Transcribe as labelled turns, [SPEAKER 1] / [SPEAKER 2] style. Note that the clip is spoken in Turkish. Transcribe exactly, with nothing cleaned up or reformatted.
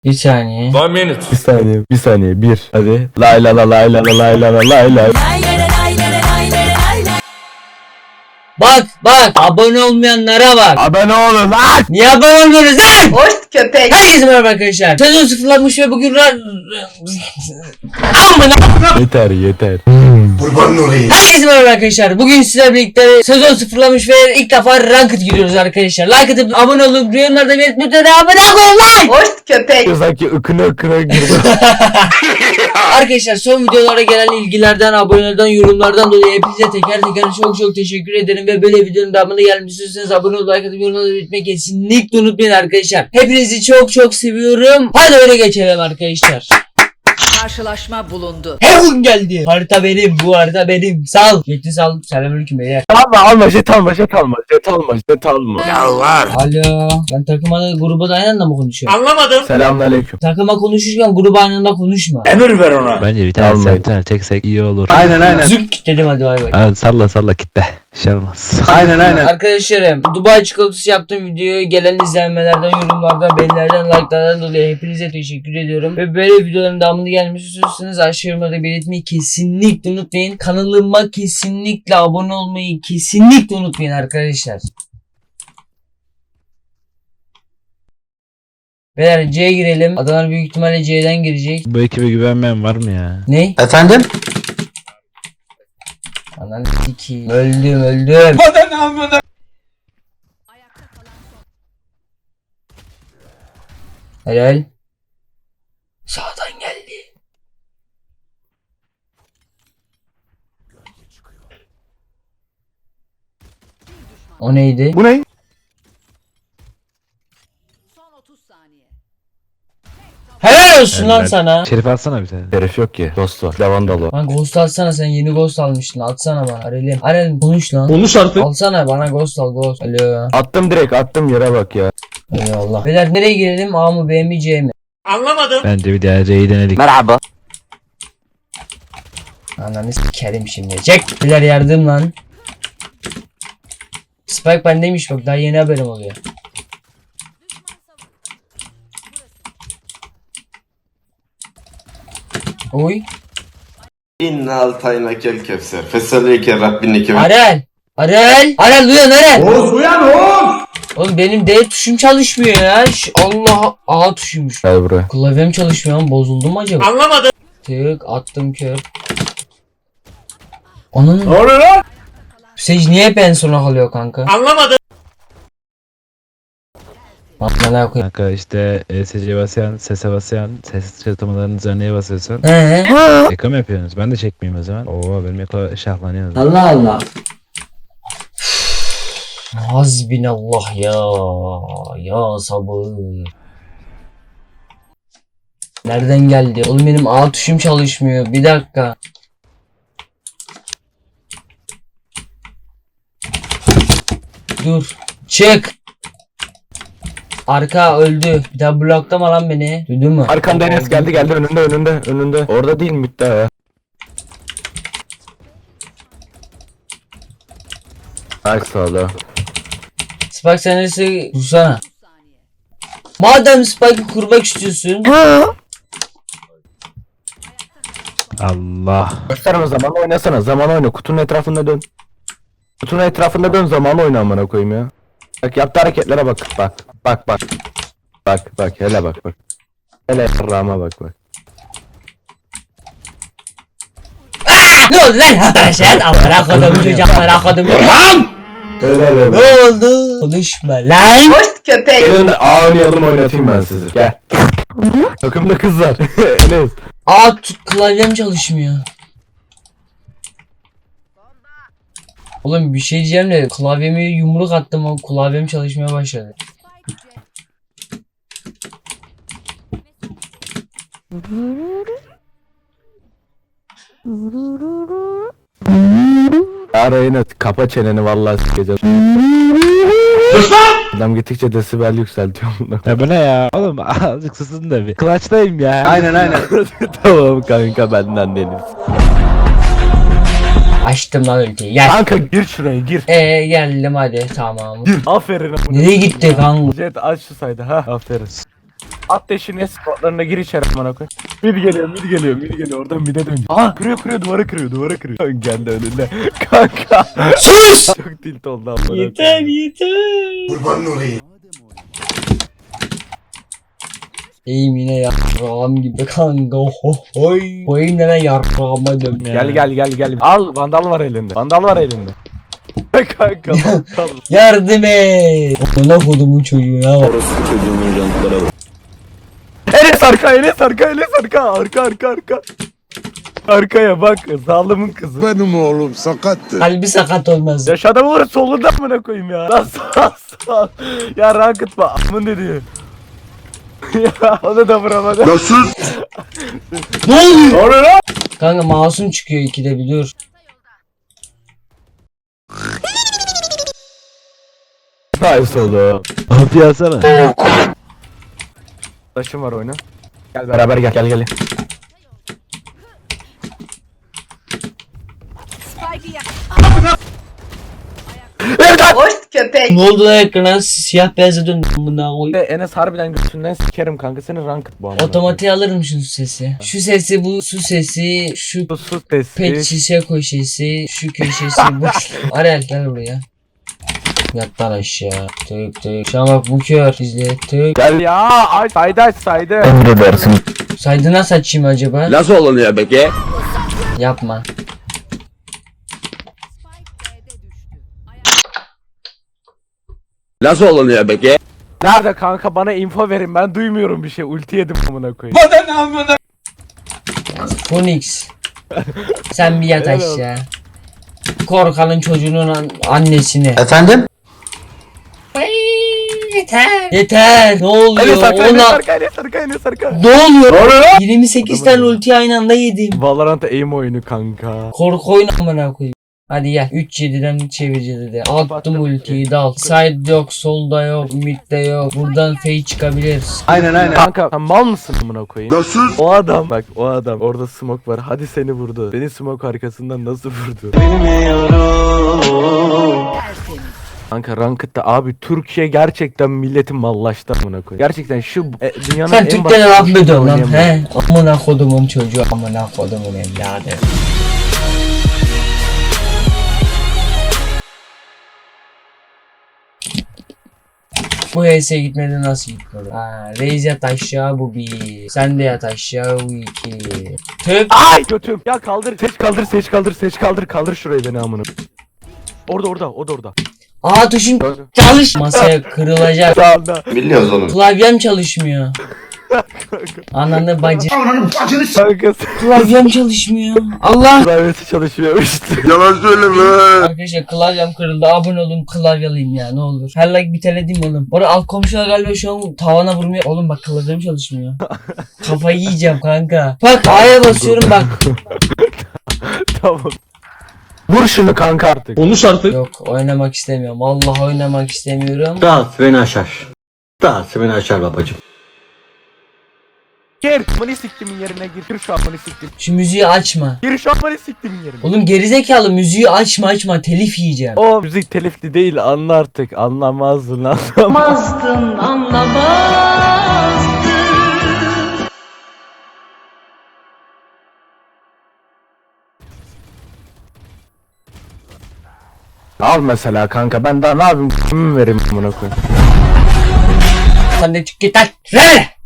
[SPEAKER 1] Bir saniye.
[SPEAKER 2] One minute.
[SPEAKER 3] Bir saniye, bir saniye, bir. Hadi. Lay la la lay la la lay la la lay la.
[SPEAKER 1] Bak bak abone olmayanlara bak.
[SPEAKER 3] Abone olun lan.
[SPEAKER 1] Niye abone olmuyoruz lan?
[SPEAKER 4] Hoş köpek.
[SPEAKER 1] Herkese merhaba arkadaşlar. Sezon sıfırlanmış ve bugün ra... Amına.
[SPEAKER 3] Yeter yeter.
[SPEAKER 1] Herkese merhaba arkadaşlar. Bugün sizlerle birlikte sezon sıfırlamış ve ilk defa ranked giriyoruz arkadaşlar. Like atıp abone olup yorumlarda belirtmeyi unutmayın. Abone olun lan.
[SPEAKER 4] Hoş köpek.
[SPEAKER 3] Sanki ıkına ıkına girdi.
[SPEAKER 1] Arkadaşlar son videolara gelen ilgilerden, abonelerden, yorumlardan dolayı hepinize teker teker çok çok teşekkür ederim ve böyle videonun devamını gelmek istiyorsanız abone olup like atıp yorumları belirtmeyi kesinlikle unutmayın arkadaşlar. Hepinizi çok çok seviyorum. Hadi öyle geçelim arkadaşlar.
[SPEAKER 4] Karşılaşma bulundu.
[SPEAKER 1] Heaven geldi. Harita benim, bu harita benim. Sal. Yetti sal. Selamünaleyküm beyler.
[SPEAKER 3] Alma alma jet alma jet alma jet alma jet alma.
[SPEAKER 1] Alo. Ben takıma da gruba da aynı anda mı konuşuyorum?
[SPEAKER 2] Anlamadım.
[SPEAKER 3] Selamünaleyküm.
[SPEAKER 1] Takıma konuşurken gruba aynı anda konuşma.
[SPEAKER 2] Emir ver ona.
[SPEAKER 5] Bence bir tane
[SPEAKER 3] Almayın.
[SPEAKER 5] sen bir tane çeksek iyi olur.
[SPEAKER 3] Aynen aynen.
[SPEAKER 1] Zük dedim hadi bay bay.
[SPEAKER 5] Hadi salla salla kitle. Şey olmaz.
[SPEAKER 3] Aynen aynen.
[SPEAKER 1] Arkadaşlarım Dubai çikolatası yaptığım videoya gelen izlenmelerden, yorumlardan, beğenilerden, like'lardan dolayı hepinize teşekkür ediyorum. Ve böyle videoların devamını gelmesi istiyorsanız aşağı yorumlarda belirtmeyi kesinlikle unutmayın. Kanalıma kesinlikle abone olmayı kesinlikle unutmayın arkadaşlar. Beyler C'ye girelim. Adamlar büyük ihtimalle C'den girecek.
[SPEAKER 5] Bu ekibe güvenmeyen var mı ya?
[SPEAKER 1] Ne?
[SPEAKER 3] Efendim?
[SPEAKER 1] Ananı sikeyim. Öldüm öldüm. Helal. Sağdan geldi. O neydi?
[SPEAKER 3] Bu ne?
[SPEAKER 4] Son otuz saniye.
[SPEAKER 1] Helal olsun lan
[SPEAKER 5] Helal.
[SPEAKER 1] sana.
[SPEAKER 5] Şerif alsana bir tane.
[SPEAKER 3] Herif yok ki. Dost var. Lavandalı.
[SPEAKER 1] Lan ghost alsana, sen yeni ghost almıştın. Atsana bana. Arelim. Arelim konuş lan.
[SPEAKER 2] Konuş artık.
[SPEAKER 1] Alsana bana ghost al ghost. Alo.
[SPEAKER 3] Attım direkt attım yere bak ya.
[SPEAKER 1] Eyvallah. Beyler nereye girelim? A mı B mi C mi?
[SPEAKER 2] Anlamadım.
[SPEAKER 5] Bence bir daha C'yi denedik.
[SPEAKER 3] Merhaba.
[SPEAKER 1] Ananı sikerim şimdi. Çek. Beyler yardım lan. Spike bendeymiş bak, daha yeni haberim oluyor. Oy.
[SPEAKER 6] İnna altayna kel kevser. Fesalike Rabbinike ve
[SPEAKER 1] Arel. Arel. Arel duyan Arel. Oğuz duyan Oğuz. Oğlum benim D tuşum çalışmıyor ya. Ş- Allah A tuşuymuş.
[SPEAKER 3] Gel buraya.
[SPEAKER 1] Klavyem çalışmıyor ama bozuldu mu acaba?
[SPEAKER 2] Anlamadım.
[SPEAKER 1] Tık attım kör. Onun
[SPEAKER 2] Ne oluyor lan?
[SPEAKER 1] Sage niye hep en sona kalıyor kanka?
[SPEAKER 2] Anlamadım.
[SPEAKER 1] Bana koyayım.
[SPEAKER 5] Kanka işte E S C basayan, sese basayan, ses çatamalarının üzerine basıyorsan
[SPEAKER 1] He.
[SPEAKER 5] eko mu yapıyorsunuz? Ben de çekmeyeyim o zaman. Oo benim eko şahlanıyor.
[SPEAKER 1] Allah Allah. Hasbinallah ya. Ya sabır. Nereden geldi? Oğlum benim A tuşum çalışmıyor. Bir dakika. Dur. Çık. Arka öldü. Bir daha bloklama lan beni. Duydun mu?
[SPEAKER 3] Arkanda Enes geldi geldi önünde önünde önünde. Orada değil mi daha ya? Ay sağda.
[SPEAKER 1] Spike sen neresi? Dursana. Madem Spike'ı kurmak istiyorsun.
[SPEAKER 5] Allah.
[SPEAKER 3] Gösterme zaman oynasana zaman oyna kutunun etrafında dön. Kutunun etrafında dön zaman oyna amına koyayım ya. Bak yaptığı hareketlere bak bak bak bak. Bak bak hele bak bak. Hele rama bak bak.
[SPEAKER 1] Ne oldu lan arkadaşlar? Amına kodum çocuklara kodum. Lan!
[SPEAKER 3] Hele hele.
[SPEAKER 1] Ne oldu? Konuşma lan.
[SPEAKER 4] Hoş köpek.
[SPEAKER 3] Gelin A oynayalım oynatayım ben sizi. Gel. Takımda kız var. Enes.
[SPEAKER 1] Aa tut, klavyem çalışmıyor. Oğlum bir şey diyeceğim de klavyeme yumruk attım o klavyem çalışmaya başladı.
[SPEAKER 3] Arayın kapa çeneni vallahi sikeceğim. Adam gittikçe desibel yükseltiyor.
[SPEAKER 5] Ya bu ne ya? Oğlum azıcık susun da bir. Clutch'tayım ya.
[SPEAKER 3] Aynen aynen. Tamam kanka benden deniz.
[SPEAKER 1] Açtım lan ülkeyi gel.
[SPEAKER 3] Kanka gir şuraya gir.
[SPEAKER 1] Eee geldim hadi tamam.
[SPEAKER 3] Gir. Aferin.
[SPEAKER 1] Nereye gitti kanka?
[SPEAKER 3] Jet aç şu saydı ha. Aferin. At deşini spotlarına gir içeri amına koy. Mid geliyor mid geliyor mid geliyor oradan mid'e dön. Aa kırıyor kırıyor duvara kırıyor duvara kırıyor. Geldi önünde. Kanka.
[SPEAKER 1] Sus!
[SPEAKER 3] Çok tilt oldu amına.
[SPEAKER 1] Yeter yeter. İyiyim yine yarrağım gibi kanka. Ho hoy. Koyayım deme yarrağıma dön ya.
[SPEAKER 3] Gel gel gel gel. Al vandal var elinde. Vandal var elinde. Kanka vandal.
[SPEAKER 1] Yardım et. Ona kodumun çocuğuna bak.
[SPEAKER 3] Enes arka Enes arka Enes arka arka arka arka. Arkaya bak zalimin kızı.
[SPEAKER 2] Benim oğlum sakattı.
[SPEAKER 1] Kalbi sakat olmaz.
[SPEAKER 3] Ya şu adamı var solunda amına koyayım ya. Lan sağ sağ. Ya rankıt bak amın dedi. Ya onu da vuramadı.
[SPEAKER 2] Nasıl?
[SPEAKER 1] Ne oluyor?
[SPEAKER 3] Ne oluyor lan?
[SPEAKER 1] Kanka masum çıkıyor ikide bir dur.
[SPEAKER 3] Nice oldu.
[SPEAKER 5] Abi yazsana.
[SPEAKER 3] Taşım var oyna. Gel beraber gel gel gel.
[SPEAKER 4] Spike'ı yak.
[SPEAKER 7] Hoş köpek.
[SPEAKER 1] Ne oldu lan ekrana siyah beyaza döndü buna koy.
[SPEAKER 3] Enes harbiden götünden sikerim kanka senin rankıt bu amına.
[SPEAKER 1] Otomatiğe alırım şu sesi. Şu sesi bu su sesi şu
[SPEAKER 3] Bu sus testi.
[SPEAKER 1] pet şişe köşesi şu köşesi boş. Arel gel buraya. Yat lan aşağı. Tık tık. Şu an bak bu kör. İzle tık.
[SPEAKER 3] Gel ya aç saydı aç saydı.
[SPEAKER 5] Emredersin.
[SPEAKER 1] Saydı nasıl açayım acaba?
[SPEAKER 6] Nasıl olunuyor peki?
[SPEAKER 1] Yapma.
[SPEAKER 4] Spike B'de düştü. Ayak
[SPEAKER 6] Nasıl olunuyor peki?
[SPEAKER 3] Nerede kanka bana info verin ben duymuyorum bir şey ulti yedim amına koyayım.
[SPEAKER 1] Phoenix. Sen bir yat
[SPEAKER 3] Helal
[SPEAKER 1] aşağı. Korkanın çocuğunun an- annesini.
[SPEAKER 6] Efendim?
[SPEAKER 1] Ay, yeter. Yeter. Ne oluyor?
[SPEAKER 3] Enes arka Enes
[SPEAKER 1] Ona...
[SPEAKER 3] arka Enes arka Enes arka.
[SPEAKER 1] Ne oluyor? yirmi sekiz tane ulti aynı anda yedim.
[SPEAKER 3] Valorant aim oyunu kanka.
[SPEAKER 1] Korku oyunu amına koyayım. Hadi gel. üç yediden çevireceğiz dedi. Attım
[SPEAKER 3] Baktım.
[SPEAKER 1] ultiyi dal. Side yok, solda yok, midde yok. Buradan fake çıkabilir.
[SPEAKER 3] Aynen aynen. Kanka sen mal mısın amına koyayım?
[SPEAKER 2] Nasıl?
[SPEAKER 3] O adam bak o adam orada smoke var hadi seni vurdu. Beni smoke arkasından nasıl vurdu?
[SPEAKER 4] tertemiz.
[SPEAKER 3] Kanka Ranked'da abi Türkiye gerçekten milletin mallaştı amına koyayım. Gerçekten şu e, dünyanın
[SPEAKER 1] Sen
[SPEAKER 3] en
[SPEAKER 1] Türklerle
[SPEAKER 3] basit
[SPEAKER 1] laf mı ediyorsun lan?
[SPEAKER 3] oynayamıyor.
[SPEAKER 1] He? Amına kodumun çocuğu, amına kodumun evladı. Bu H S'ye gitmedi nasıl gitmedi? Ha, Reis yat aşağı bu bir. Sen de yat aşağı bu iki. Tık.
[SPEAKER 3] Ay götüm. Ya kaldır seç kaldır seç kaldır seç kaldır kaldır şurayı beni amına. Orada orada o da orada.
[SPEAKER 1] Aa tuşum çalış. Masaya kırılacak.
[SPEAKER 3] Sağında.
[SPEAKER 6] Biliyoruz oğlum.
[SPEAKER 1] Klavyem çalışmıyor. Ananı bacı.
[SPEAKER 3] Kanka
[SPEAKER 1] Klavyem çalışmıyor. Allah.
[SPEAKER 3] klavyesi çalışmıyormuştu.
[SPEAKER 2] Yalan söyleme.
[SPEAKER 1] Arkadaşlar klavyem kırıldı. Abone olun klavyeliyim ya ne olur. Her like bir tane diyeyim oğlum. Orada alt komşular galiba şu an tavana vurmuyor. Oğlum bak klavyem çalışmıyor. Kafayı yiyeceğim kanka. Bak A'ya basıyorum bak.
[SPEAKER 3] Tamam. Vur şunu kanka artık.
[SPEAKER 8] Konuş artık.
[SPEAKER 1] Yok oynamak istemiyorum. Vallahi oynamak istemiyorum.
[SPEAKER 8] Rahat beni aşar. Rahat beni aşar babacım.
[SPEAKER 3] Gir. Amını siktimin yerine gir. Gir şu amını siktim.
[SPEAKER 1] Şu müziği açma.
[SPEAKER 3] Gir şu amını siktimin yerine.
[SPEAKER 1] Oğlum gerizekalı müziği açma açma telif yiyeceğim.
[SPEAKER 3] O müzik telifli değil anla artık. Anlamazdın anlamaz. Al mesela kanka ben daha ne yapayım? Kimi vereyim amına koyayım?
[SPEAKER 1] Sen de çık git lan. Ver!